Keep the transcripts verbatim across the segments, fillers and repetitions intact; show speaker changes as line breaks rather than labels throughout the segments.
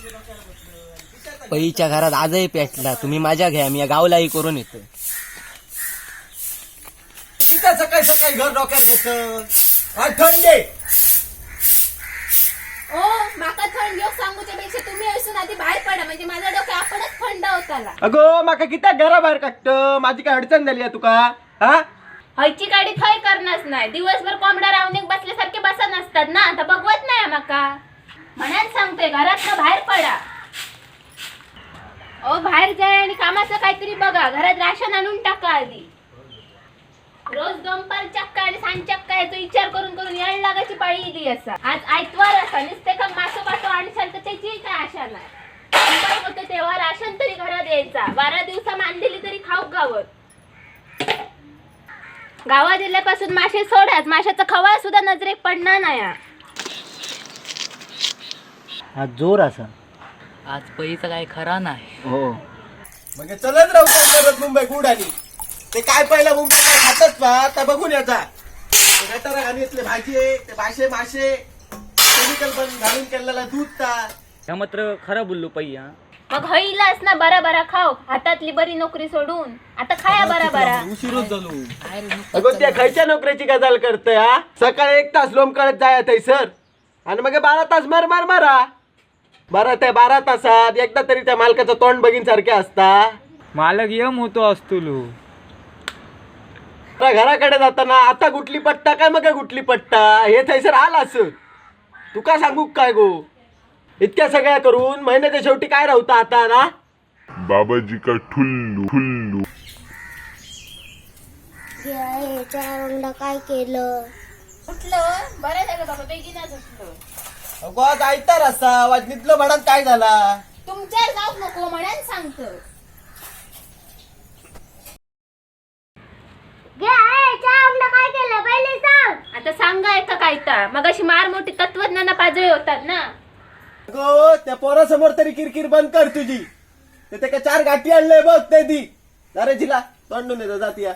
पईच्या घरात आजही पेटला, तुम्ही माझ्या घ्या, मी या गावलाही करून येतो.
किती सकाळी सकाळी घर डोक्यात घेतं थंडे.
ओ माका थंड योग सांगूच्या पेक्षा तुम्ही असून आधी बाहेर पडा, म्हणजे माझा डोकं आपणच थंड होताला.
अगो माका किती घरा बाहेर काढत, माझी काय अडचण झाली आहे तुका? हा
हयची गाडी थंय करणारच नाही, दिवसभर कोंबडा रावणीक बसल्यासारखे बसा नसतात ना, आता बघवत नाही माका. म्हणून सांगतोय घरात बाहेर पडा. ओ बाहेर जाय आणि कामाचं काहीतरी बघा, घरात राशन आणून टाका आधी. रोज दोनपार चक्का आणि सांज चक्का याचा विचार करून करून यायला लागायची पाळी इली असा. आज आयतवार असा नुसते का मासो पाठो आणि तर त्याची काय आशा नाही. सोमवार होतं तेव्हा राशन तरी घरात यायचा, बारा दिवसा मांडलेली तरी खाऊक गावत. गावात दिल्यापासून मासे सोडाच, माशाचा खवा सुद्धा नजरेक पडणार नाही.
हा जोर असा, आज पईचा काय खरा नाही.
हो मग चलत राहू शकतो मुंबई गुड आणि ते काय पहिला मुंबई काय खातच पा आता बघून याचा गटारा घाणीतले भाजी आहे, ते मासे मासे केमिकल पण घालून केलेला दूध ता.
ह्या मात्र खरं बोललो पई. हा
मग हईलाच ना बरा बरा खाऊ, हातातली बरी नोकरी सोडून आता खाया बरा बरा.
उशीरच झालो. अगं त्या खायच्या नोकरीची गजाल करतोय. हा सकाळी एक तास लोंबकळत जाय सर आणि मग बारा तास मार मार मारा. बारा त्या बारा तासात एकदा तरी त्या मालकाचं तोंड बघीन सारखे असता.
मालक यम होतो असतो.
घराकडे जाताना आता गुटली पट्टा काय मग गुटली पट्टा हे थैसर आला असं तुका सांगू काय गो. इतक्या सगळ्या करून महिन्याच्या शेवटी काय राहता आता ना.
बाबाजी का ठुल्लू ठुल्लू
चार काय केलं
उठलं बरं झालं बाबा, बेगीनच उठलं.
अगो आज आयतार असा वाजनीतलं म्हणत काय झाला.
तुमच्या जाऊ नको म्हणून सांगतो.
काय केलं पहिले सांग.
आता सांगा एका काय तर मग अशी मार मोठी तत्वज्ञाना पाजळी होतात ना.
अगो त्या पोरासमोर तरी किरकिर बंद कर तुझी. ते ते का चार गाठी आणलंय बघ ते दी अरे जिला तोंडून येतो जातीया.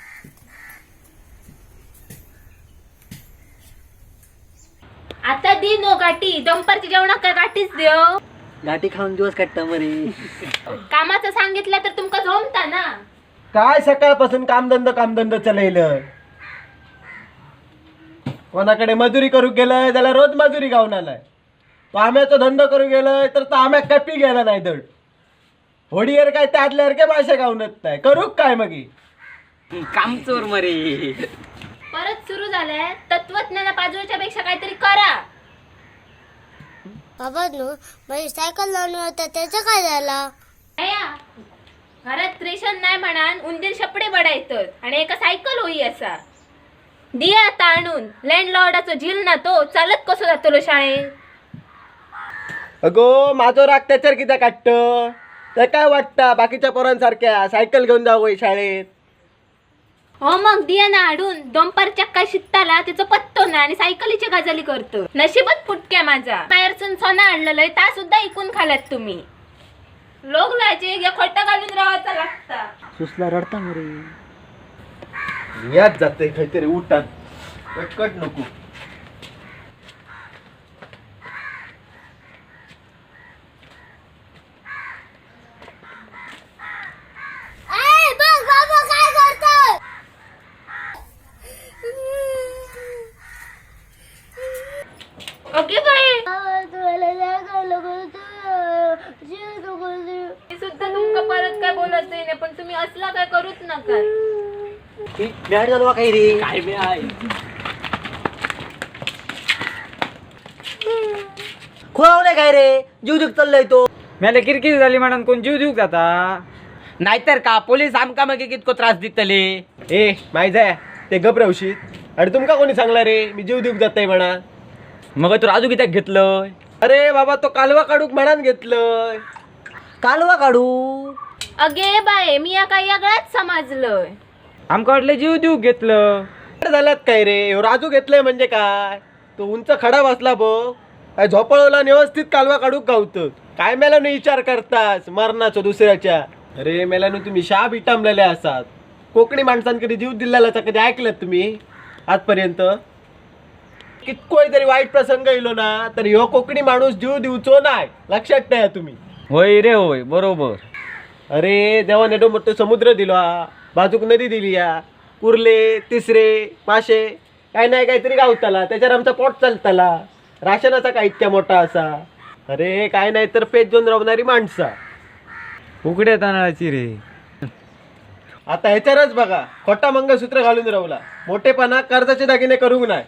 आता दी नो गाठी, दुपारची जेवणाक काय गाठीच देव.
गाठी खाऊन दिवस काढता मरे.
कामाचं सांगितलं तर तुमका जमता ना.
काय सकाळपासून कामधंद कामधंद चलैलं. कोणाकडे मजुरी करू गेलंय त्याला रोज मजुरी गावून आलाय. तो आम्याचा धंदा करू गेलोय तर तो आम्या कपी गेला नाही दड. होडीवर काय त्यातल्यासारखे मासे गावूनच नाही करू काय मग
काम चोर मरे.
परत सुरू झालंय तत्वज्ञाना पाजळीच्या पेक्षा काहीतरी करा.
बाबा नो माझी सायकल लावून होता त्याचं काय झालं.
अया घरात रेशन नाही म्हणान उंदीर शपडे बडायतात आणि एका सायकल होई असा. दिया आता आणून लँडलॉर्डाचो झील ना तो चालत कसो जातलो शाळेत.
अगो माझो राग त्याच्यावर किती काढत तर काय वाटतं बाकीच्या पोरांसारख्या सायकल घेऊन जावं शाळेत.
हो मग दिया ना आडून दोंपार चक्का शिकताला त्याचं पत्तो ना आणि सायकलीची गजाली करतो. नशीबच फुटक्या माझा. बाहेरसून सोना आणलेलं ता सुद्धा इकून खाल्यात तुम्ही. लोक लाचे या खोटा घालून राहायचा लागता.
सुसला रडता मरे.
याच जाते काहीतरी उठात कटकट नको.
बघ बाबा काय करतोय.
ओके बाई मी सुद्धा तुमका परत काय बोलत नाही पण तुम्ही असला काय करूच नका.
मॅड झालो काही रे. काय बे आहे खोवले काय रे. जीव जीव चाललाय तो.
मला किरकिर झाली म्हणून कोण जीव देऊ जाता.
नाहीतर का पोलीस आमका मग कितको त्रास दितले.
ए माहिती आहे ते गबरवशीत आणि तुमका कोणी सांगला रे मी जीव देऊक जाताय म्हणा.
मग तू राजू कित्याक घेतलंय.
अरे बाबा तो कालवा काढूक म्हणान घेतलंय.
कालवा काढू.
अगे बाय मी या काही यागळाच समजलोय.
आमका वाटलं जीव देऊ घेतलं.
झाल्यात काय रे ह्यो राजू घेतलंय म्हणजे काय. तो उंच खडा बसला बघ काय झोपळवला व्यवस्थित कालवा काढूक गावत. काय मेल्यानं विचार करतास मरणाचं दुसऱ्याच्या. अरे मेल्यानं तुम्ही शाप इटामलेले असात. कोकणी माणसांकडे जीव दिलेला कधी ऐकलं तुम्ही आजपर्यंत. कितकोय तरी वाईट प्रसंग येलो ना तर ह्यो कोकणी माणूस जीव दिवचो नाही, लक्षात ठेवा तुम्ही.
होय रे होय बरोबर.
अरे देवा नेटो मोठं समुद्र दिलो हा, बाजूक नदी दिली या, कुर्ले तिसरे मासे काय नाही काहीतरी गावताला, त्याच्यावर आमचा पोट चालताला. राशनाचा काय इतक्या मोठा असा. अरे काय नाही तर पेट घेऊन राहणारी माणसा.
उकड्या तांदळाची रे.
आता ह्याच्यावरच बघा, खोटा मंगळसूत्र घालून राहला, मोठेपणा कर्जाचे दागिने करूक नाही.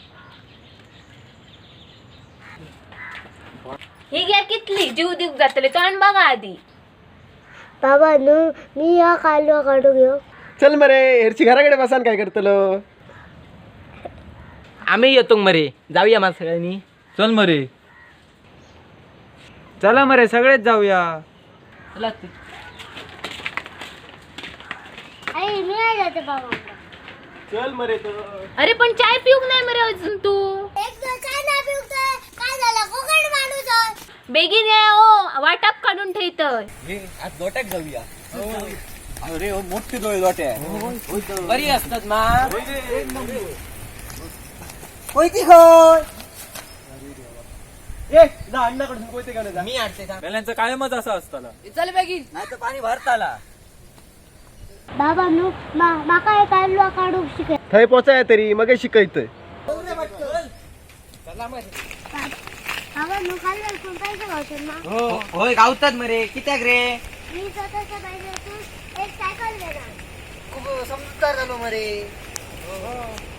ही घ्या कितली जीव दिवक जातले तोंड बघा आधी.
बाबा नु मी या कालवा काढू घेऊ.
चल मरे हेरची घराकडे बसान काय करतलो.
आम्ही येतो मरे, जाऊया मला सगळ्यांनी.
चल मरे. चला मरे सगळेच जाऊया.
चला तू.
आई मी नाही जाते बाबा.
चल मरे तो.
अरे पण चाय पिऊक नाही मरे अजून तू.
एक दिवस काय नाही पिवतोय, काय झालं कोकण माणूस आहे.
बेगीन ये ओ, वाटप काढून ठेवतोय.
आज लोट्याक जाऊया. अरे हो मोठी डोळे लोट्या बरी असतात मा. होय की होय.
ए जा अण्णाकडून कोयते घेऊन जा.
मी आणते थांब.
मेल्यांचं कायमच असं असताना.
चल बेगीन नाही तर पाणी भरताला.
बाबा नु मा माका एक कालवा काढू शिके.
थंय पोचाय तरी मग शिकयतय.
बाबा नु कालवा कोण पैसे गावतात ना.
हो होय गावतात मरे. कित्याक रे.
मी स्वतःच्या पैशातून एक सायकल देणार.
खूप समजूतदार झालो मरे.